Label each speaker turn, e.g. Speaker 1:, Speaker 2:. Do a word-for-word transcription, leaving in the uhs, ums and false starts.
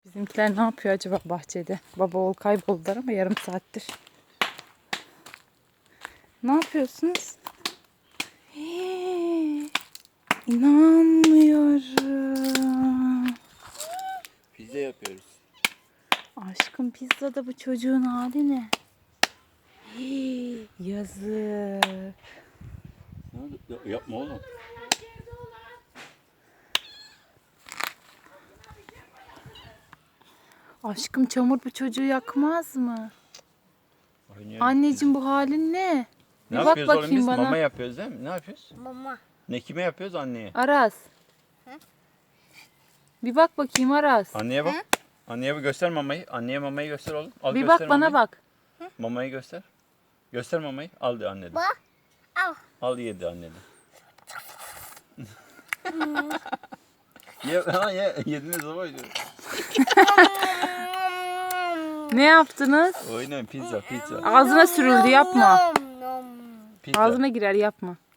Speaker 1: Bizimkiler ne yapıyor acaba bahçede? Baba oğul kayboldular ama yarım saattir. Ne yapıyorsunuz? Hii, İnanmıyorum.
Speaker 2: Pizza yapıyoruz.
Speaker 1: Aşkım pizzada bu çocuğun hali ne? Hii, yazık.
Speaker 2: Ne oldu? Ya- Yapma oğlum.
Speaker 1: Aşkım çamur bu çocuğu yakmaz mı?
Speaker 2: Oynuyoruz.
Speaker 1: Anneciğim bu halin ne?
Speaker 2: Ne
Speaker 1: Bir bak
Speaker 2: yapıyoruz oğlum
Speaker 1: bakayım
Speaker 2: biz?
Speaker 1: bana.
Speaker 2: Mama yapıyoruz değil mi? Ne yapıyoruz?
Speaker 3: Mama.
Speaker 2: Ne kime yapıyoruz? Anneye.
Speaker 1: Aras.
Speaker 3: Hı?
Speaker 1: Bir bak bakayım Aras.
Speaker 2: Anneye bak. Anneye bir göster mamayı. Anneye mamayı göster oğlum. Al
Speaker 1: Bir
Speaker 2: göster
Speaker 1: bak bana
Speaker 2: mamayı.
Speaker 1: bak.
Speaker 2: Mamayı göster. Göster mamayı. Al de anneden.
Speaker 3: Bak. Al.
Speaker 2: Al yedi anneden. ye, ha, ye, yediniz ama oynuyor.
Speaker 1: Ne yaptınız?
Speaker 2: Oynayın pizza pizza.
Speaker 1: Ağzına sürüldü yapma.
Speaker 3: Nom nom.
Speaker 2: Pizza.
Speaker 1: Ağzına girer yapma.